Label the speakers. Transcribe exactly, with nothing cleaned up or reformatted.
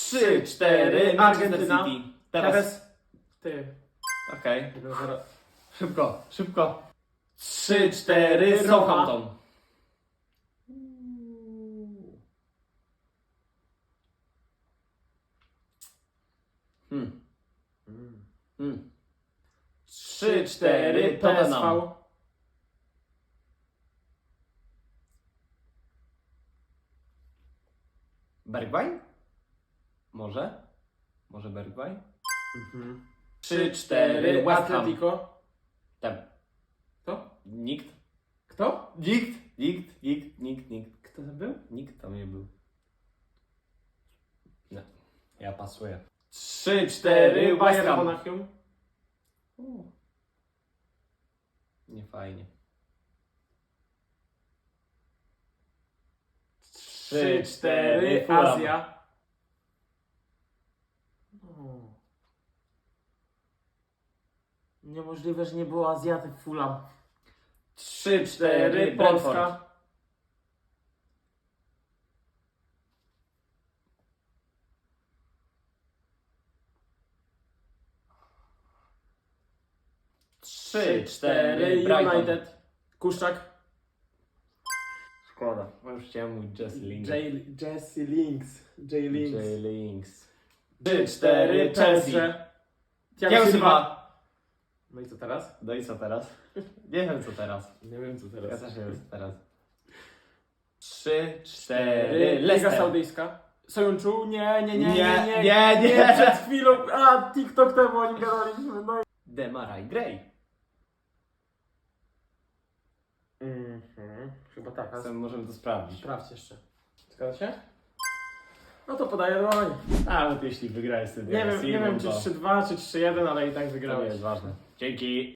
Speaker 1: trzy, cztery, Manchester
Speaker 2: Argentyna.
Speaker 1: City. Teraz.
Speaker 2: Tevez. Ty.
Speaker 1: Okej.
Speaker 2: jeden zero.
Speaker 1: Szybko, szybko.
Speaker 2: trzy, cztery, Roma.
Speaker 1: Southampton. Hmm. Hmm.
Speaker 2: trzy, cztery, P S V.
Speaker 1: Tottenham. Bergwijn? Może? Może Bergwijn?
Speaker 2: trzy, cztery,
Speaker 1: West Ham.
Speaker 2: Atletico.
Speaker 1: Tam.
Speaker 2: Kto?
Speaker 1: Nikt.
Speaker 2: Kto?
Speaker 1: Nikt. Nikt. Nikt. Nikt. Nikt.
Speaker 2: Kto tam był?
Speaker 1: Nikt tam nie był. Nie. Ja pasuję.
Speaker 2: trzy, cztery,
Speaker 1: West
Speaker 2: Bayern
Speaker 1: Ham.
Speaker 2: Monachium.
Speaker 1: Nie fajnie.
Speaker 2: trzy, cztery,
Speaker 1: Fulham.
Speaker 2: Azja. O. Niemożliwe, że nie było Azjaty w Fulham.
Speaker 1: trzy,
Speaker 2: cztery, Polska.
Speaker 1: trzy, cztery, Brighton.
Speaker 2: United. Kuszczak.
Speaker 1: Szkoda. Bo już chciałem mówić Jesse Lingard.
Speaker 2: J- Jesse Links. J. Links.
Speaker 1: J. Links.
Speaker 2: trzy, cztery,
Speaker 1: Chelsea.
Speaker 2: Chelsea.
Speaker 1: Thiago
Speaker 2: Thiago
Speaker 1: Silva.
Speaker 2: No i co teraz?
Speaker 1: No i co teraz? Nie wiem co teraz.
Speaker 2: Nie wiem co
Speaker 1: Ja
Speaker 2: teraz.
Speaker 1: też nie wiem co teraz. trzy, cztery,
Speaker 2: cztery, Liga
Speaker 1: Leicester.
Speaker 2: Saudyjska. Sojunczu? Nie, nie, nie, nie,
Speaker 1: Nie,
Speaker 2: nie,
Speaker 1: nie, nie.
Speaker 2: Przed chwilą, a TikTok temu o nim gadaliśmy, no i...
Speaker 1: Demarai Gray.
Speaker 2: Mhm, chyba tak. a
Speaker 1: Zatem możemy to sprawdzić.
Speaker 2: Sprawdź jeszcze. Zgadza się? No to podaję dłoń.
Speaker 1: Nawet jeśli wygrałeś sobie
Speaker 2: Nie wiem, nie wiem czy
Speaker 1: to
Speaker 2: trzy dwa, czy trzy jeden, ale i tak
Speaker 1: to nie
Speaker 2: wygrałeś.
Speaker 1: jest ważne. Dzięki.